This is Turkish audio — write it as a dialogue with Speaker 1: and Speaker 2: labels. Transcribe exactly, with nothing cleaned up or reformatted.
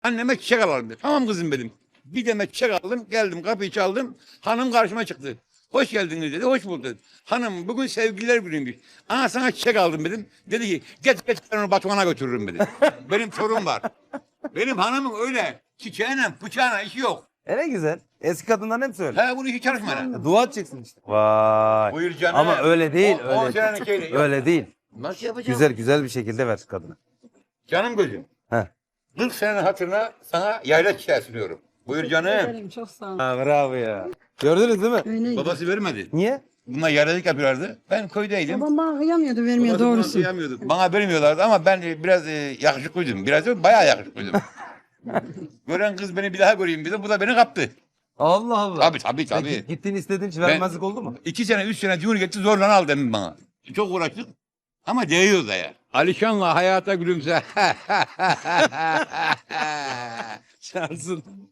Speaker 1: Anneme çiçek alalım dedi. Tamam kızım dedim. Bir demet çiçek aldım. Geldim kapıyı çaldım. Hanım karşıma çıktı. Hoş geldiniz dedi. Hoş bulduk. Hanım bugün sevgililer günüymüş. Ana sana çiçek aldım dedim. Dedi ki geç geç ben onu Batuhan'a götürürüm dedi. Benim torun var. Benim hanımın öyle çiçeğine bıçağına işi yok.
Speaker 2: E ne güzel. Eski kadınların hepsi öyle.
Speaker 1: He bunu hiç çalışma.
Speaker 2: E, Dua edeceksin işte. Vay.
Speaker 1: Buyur canım.
Speaker 2: Ama öyle değil.
Speaker 1: O- on
Speaker 2: öyle.
Speaker 1: senelik şeyle yok.
Speaker 2: Öyle değil.
Speaker 1: Nasıl yapacağım?
Speaker 2: Güzel güzel bir şekilde ver kadına.
Speaker 1: Canım gözüm.
Speaker 2: Heh.
Speaker 1: kırk senenin hatırına sana yayla çiçeği sunuyorum. Buyur canım.
Speaker 3: Ederim, çok sağ ol.
Speaker 2: Ha, bravo ya. Gördünüz değil mi?
Speaker 3: Öyleydi.
Speaker 1: Babası vermedi.
Speaker 2: Niye?
Speaker 1: Bunlar yaylalık yapıyorlardı. Ben köydeydim.
Speaker 3: Babam bana kıyamıyordu, vermiyor
Speaker 1: Babası bana
Speaker 3: doğrusu.
Speaker 1: kıyamıyordu. Bana vermiyorlardı ama ben e, biraz e, yakışıklıydım. Biraz değil, bayağı yakışıklıydım. Gören kız beni bir daha göreyim dedi. Bu da beni kaptı.
Speaker 2: Allah Allah.
Speaker 1: Tabii tabii
Speaker 2: Peki,
Speaker 1: tabii.
Speaker 2: gittiğin istediğin için
Speaker 1: Ben-
Speaker 2: vermezlik oldu mu?
Speaker 1: İki sene, üç sene Cumhuriyet'i zorla al demin bana. Çok uğraştık ama değiyor da ya. Alişan'la hayata gülümse.
Speaker 2: Çağırsın.